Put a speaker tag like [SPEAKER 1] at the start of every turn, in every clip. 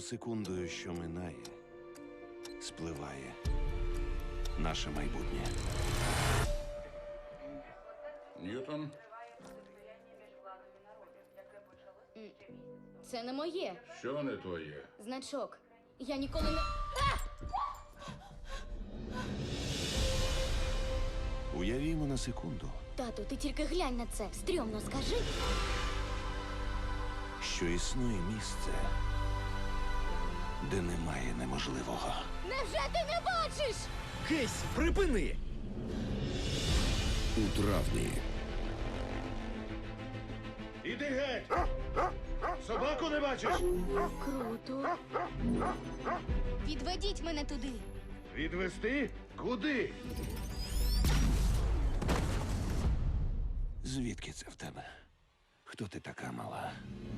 [SPEAKER 1] секундою, що минає, спливає наше майбутнє.
[SPEAKER 2] Ньютон,
[SPEAKER 3] Це не моє.
[SPEAKER 2] що не твоє?
[SPEAKER 3] Значок. Я ніколи не.
[SPEAKER 1] Уявімо на секунду,
[SPEAKER 3] Тату, ти тільки глянь на це. Стрьомно скажи.
[SPEAKER 1] що існує місце, де немає неможливого.
[SPEAKER 3] Невже ти не бачиш?
[SPEAKER 4] Кейс, припини!
[SPEAKER 5] У травні.
[SPEAKER 1] Іди геть! Собаку не бачиш?
[SPEAKER 3] Круто. Відведіть мене туди.
[SPEAKER 1] Відвести? Куди? Звідки це в тебе? Хто ти така мала?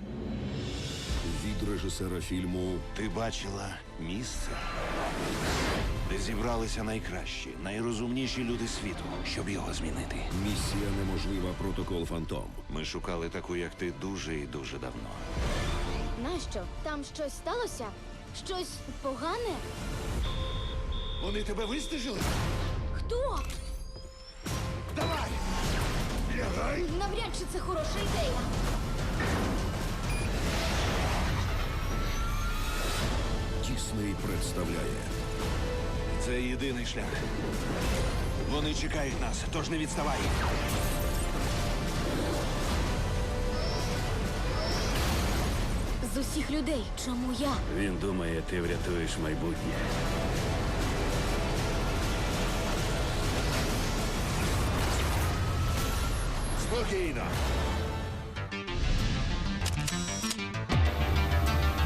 [SPEAKER 5] Від режисера фільму
[SPEAKER 1] Ти бачила місце, де зібралися найкращі, найрозумніші люди світу, щоб його змінити.
[SPEAKER 5] Місія неможлива. Протокол Фантом.
[SPEAKER 1] Ми шукали таку, як ти, дуже і дуже давно.
[SPEAKER 3] Нащо? Там щось сталося? Щось погане?
[SPEAKER 1] Вони тебе вистежили?
[SPEAKER 3] Хто?
[SPEAKER 1] Давай! Лягай!
[SPEAKER 3] Навряд чи це хороша ідея.
[SPEAKER 5] Дісней представляє
[SPEAKER 1] Це єдиний шлях. Вони чекають нас, тож не відставай.
[SPEAKER 3] З усіх людей, чому я?
[SPEAKER 4] Він думає, ти врятуєш майбутнє.
[SPEAKER 1] Спокійно.